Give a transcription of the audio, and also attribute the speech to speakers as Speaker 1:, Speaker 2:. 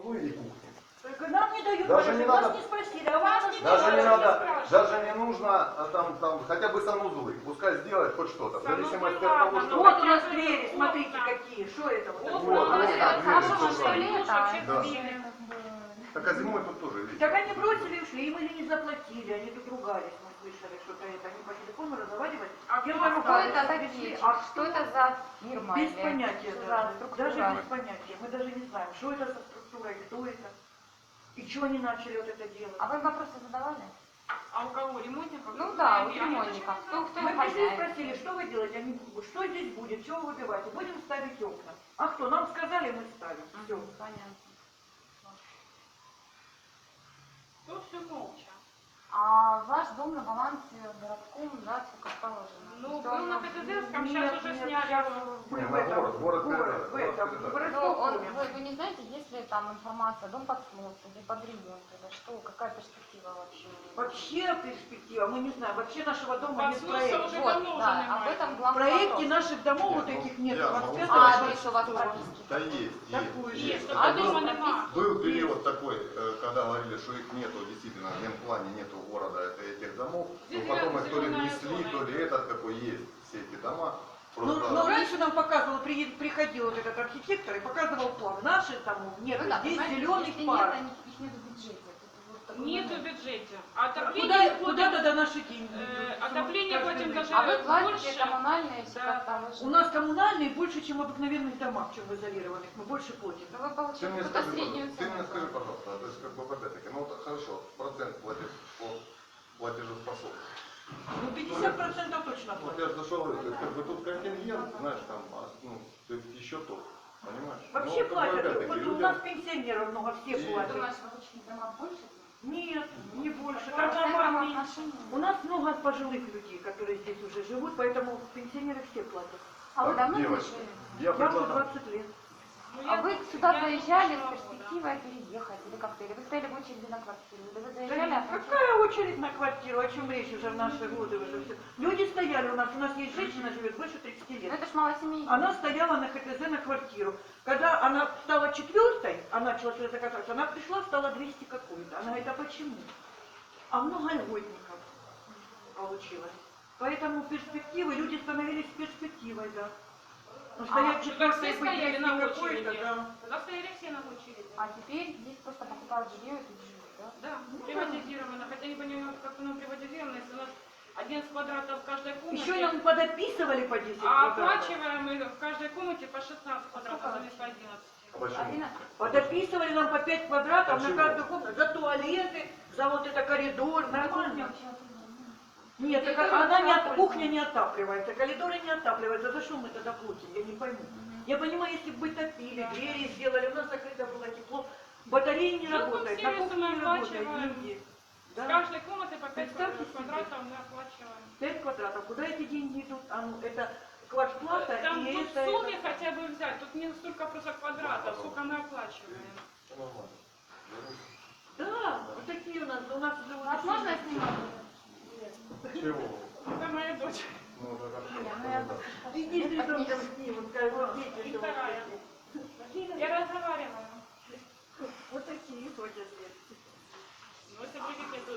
Speaker 1: кладовую и кухню.
Speaker 2: Только нам не дают,
Speaker 1: Даже не
Speaker 2: вас
Speaker 1: надо,
Speaker 2: не спросили, а вас не
Speaker 1: даже не
Speaker 2: дают.
Speaker 1: надо, даже не нужно там хотя бы санузлы. Пускай сделает хоть что-то. В зависимости от того, что...
Speaker 2: Вот у нас двери, смотрите какие, что это вот такое?
Speaker 1: Вот,
Speaker 3: Да.
Speaker 1: Так а зимой тут тоже, видите.
Speaker 2: Так они бросили и ушли, им или не заплатили, они тут ругались, мы слышали, что-то это, они по телефону разговаривали.
Speaker 4: А
Speaker 3: Что это такие?
Speaker 2: А
Speaker 3: Что это за фирма?
Speaker 2: без
Speaker 3: или
Speaker 2: понятия
Speaker 3: что за
Speaker 2: даже,
Speaker 3: структура?
Speaker 2: даже без понятия. Мы даже не знаем, что это за структура и кто это. И чего они начали вот это делать.
Speaker 3: А вы вопросы задавали?
Speaker 4: А у кого? Ремонтников?
Speaker 3: Ну да, у ремонтников. Кто
Speaker 2: Мы пришли и
Speaker 3: хозяин?
Speaker 2: спросили, что вы делаете? Они, что здесь будет, чего вы выбиваете? Будем ставить окна. А кто? Нам сказали, мы ставим. Все.
Speaker 3: Понятно.
Speaker 4: То все молча.
Speaker 3: А ваш дом на балансе городком, да, сколько положено?
Speaker 4: Ну,
Speaker 3: Что
Speaker 4: был
Speaker 3: он-
Speaker 4: на КТЗ, сейчас
Speaker 2: Нет,
Speaker 4: уже
Speaker 2: нет,
Speaker 4: сняли.
Speaker 2: сейчас мы
Speaker 1: Не,
Speaker 2: в
Speaker 1: на
Speaker 2: этом,
Speaker 1: город
Speaker 2: в этом,
Speaker 1: передали.
Speaker 2: в
Speaker 3: Ну,
Speaker 2: городском доме.
Speaker 3: вы не знаете, есть ли там информация, дом под снос или под ремонт, или что, какая перспектива вообще?
Speaker 2: Вообще перспектива, мы не знаем. Вообще нашего дома нет
Speaker 4: Под
Speaker 2: проекта.
Speaker 4: сносом уже
Speaker 3: Вот,
Speaker 4: давно уже
Speaker 3: да, об
Speaker 4: немає.
Speaker 3: этом
Speaker 2: В
Speaker 3: главный
Speaker 2: проекте
Speaker 3: вопрос.
Speaker 2: наших домов вот
Speaker 1: Нет, ну,
Speaker 2: таких нет.
Speaker 1: я
Speaker 2: Вот
Speaker 1: могу
Speaker 2: это
Speaker 1: сказать.
Speaker 3: А,
Speaker 2: вот
Speaker 3: адрес у вас
Speaker 2: что?
Speaker 3: прописки?
Speaker 1: Да есть,
Speaker 2: Такую
Speaker 1: есть.
Speaker 2: же.
Speaker 4: Есть,
Speaker 1: Это
Speaker 4: а
Speaker 1: был-
Speaker 4: дома нема.
Speaker 1: Был период такой, когда говорили, что их нету, действительно, в генплане нету города этих домов, но потом их то ли внесли, то ли этот какой есть, все эти дома. Просто...
Speaker 2: Ну, раньше нам показывал, приходил вот этот архитектор и показывал план. Наших домов нет,
Speaker 3: Ну да,
Speaker 2: здесь
Speaker 3: понимаете,
Speaker 2: зеленый
Speaker 3: если
Speaker 2: пар.
Speaker 3: нет, их нет в бюджете. Это вот такой
Speaker 4: Нету в
Speaker 3: момент.
Speaker 4: бюджете. А отопление
Speaker 2: Куда тогда наши деньги?
Speaker 4: отопление платим даже
Speaker 3: А вы платите
Speaker 4: больше.
Speaker 3: коммунальные все
Speaker 4: Да.
Speaker 3: как-то вы же-
Speaker 2: У нас коммунальные больше, чем в обыкновенных домах, чем в изолированных. Мы больше платим.
Speaker 3: Да вы
Speaker 1: Ты
Speaker 3: получаете
Speaker 1: мне
Speaker 3: какую-то
Speaker 1: скажи,
Speaker 3: среднюю
Speaker 1: пожалуйста, ты мне
Speaker 3: цену.
Speaker 1: скажи, пожалуйста, то есть как бы опять-таки, ну вот хорошо, процент платишь по платежеспособности.
Speaker 2: Ну, 50% точно
Speaker 1: Вот
Speaker 2: платим.
Speaker 1: я же зашел, то есть как бы тут контингент, знаешь, там, ну, то есть еще тот, понимаешь?
Speaker 2: Вообще
Speaker 1: Ну, как бы,
Speaker 2: платят.
Speaker 1: опять-таки,
Speaker 2: Вот у
Speaker 1: людям-
Speaker 2: нас пенсионеров много, все
Speaker 1: И-
Speaker 2: платят.
Speaker 3: Думаешь, в обычных домах больше?
Speaker 2: Нет, не больше.
Speaker 3: В
Speaker 2: Там
Speaker 3: процентном
Speaker 2: наоборот, меньше.
Speaker 3: отношении?
Speaker 2: У нас много пожилых людей, которые здесь уже живут, поэтому пенсионеры все платят.
Speaker 3: А вы
Speaker 1: Так,
Speaker 3: давно
Speaker 1: девочки,
Speaker 3: здесь живете?
Speaker 1: я
Speaker 2: Я уже
Speaker 1: предлагаю,
Speaker 2: 20 лет.
Speaker 4: Ну,
Speaker 3: А
Speaker 4: я
Speaker 3: вы
Speaker 4: тут-
Speaker 3: сюда
Speaker 4: я тут
Speaker 3: заезжали с
Speaker 4: жила года.
Speaker 3: перспективой переехать или как-то? Или вы стояли в очереди на квартиру? Или вы
Speaker 2: Да
Speaker 3: заезжали, а потом-
Speaker 2: какая очередь на квартиру, о чем речь уже в наши годы уже все. Люди стояли у нас есть женщина, живет больше 30
Speaker 3: Ну
Speaker 2: лет.
Speaker 3: это ж малосемейка.
Speaker 2: Она стояла на ХТЗ на квартиру. Когда она стала четвертой, а начала сюда закататься, она пришла, стала 200 какую-то. Она говорит, а почему? А много льготников получилось. Поэтому перспективы, люди становились перспективой, да. Ну, стоять
Speaker 4: Когда
Speaker 2: четвертой,
Speaker 4: все
Speaker 2: быть
Speaker 4: стояли на
Speaker 2: 200 какой-то,
Speaker 4: очереди.
Speaker 2: да.
Speaker 4: Тогда стояли все на очереди.
Speaker 3: А теперь здесь просто покупают жилье и тут живут, да?
Speaker 4: Да,
Speaker 2: Ну,
Speaker 4: приватизировано. Хотя не понимаю, как оно приватизировано, если у нас 11 квадратов в каждой комнате.
Speaker 2: Еще нам подописывали по 10
Speaker 4: А
Speaker 2: квадратов.
Speaker 4: оплачиваем мы в каждой комнате по 16 квадратов, вместо 11.
Speaker 1: а почему?
Speaker 3: 11.
Speaker 2: Подописывали нам по 5 квадратов
Speaker 1: Почему?
Speaker 2: на каждую комнату, за туалеты, за вот это коридор, нормально. Нет, так она не от, кухня не отапливается, коридоры не отапливаются. За что мы тогда платим? Я не пойму. Я понимаю, если бы топили, двери сделали, у нас закрыто было тепло, батареи не
Speaker 4: Ну,
Speaker 2: работают, на
Speaker 4: сервисы
Speaker 2: кухне
Speaker 4: мы
Speaker 2: не работают,
Speaker 4: оплачиваем.
Speaker 2: деньги.
Speaker 4: С
Speaker 2: Да?
Speaker 4: каждой комнаты по 5
Speaker 2: Представьте себе.
Speaker 4: квадратов мы оплачиваем.
Speaker 2: 5 квадратов. Куда эти деньги идут? А ну, это квартплата
Speaker 4: Там
Speaker 2: и
Speaker 4: тут в
Speaker 2: это...
Speaker 4: сумме хотя бы взять, тут не столько просто квадратов, сколько мы оплачиваем.
Speaker 1: Нормально.
Speaker 2: Да, вот такие у нас живут.
Speaker 3: Вас можно снимать?
Speaker 1: Чего?
Speaker 4: Это моя дочь.
Speaker 1: Ну, это как
Speaker 3: Не, ну я
Speaker 2: Иди с ребенком снимут, скажут, вот дети
Speaker 4: И
Speaker 2: живут
Speaker 4: вторая.
Speaker 2: такие.
Speaker 4: Я разговариваю.
Speaker 2: Вот такие ходят.
Speaker 4: Ну, если будете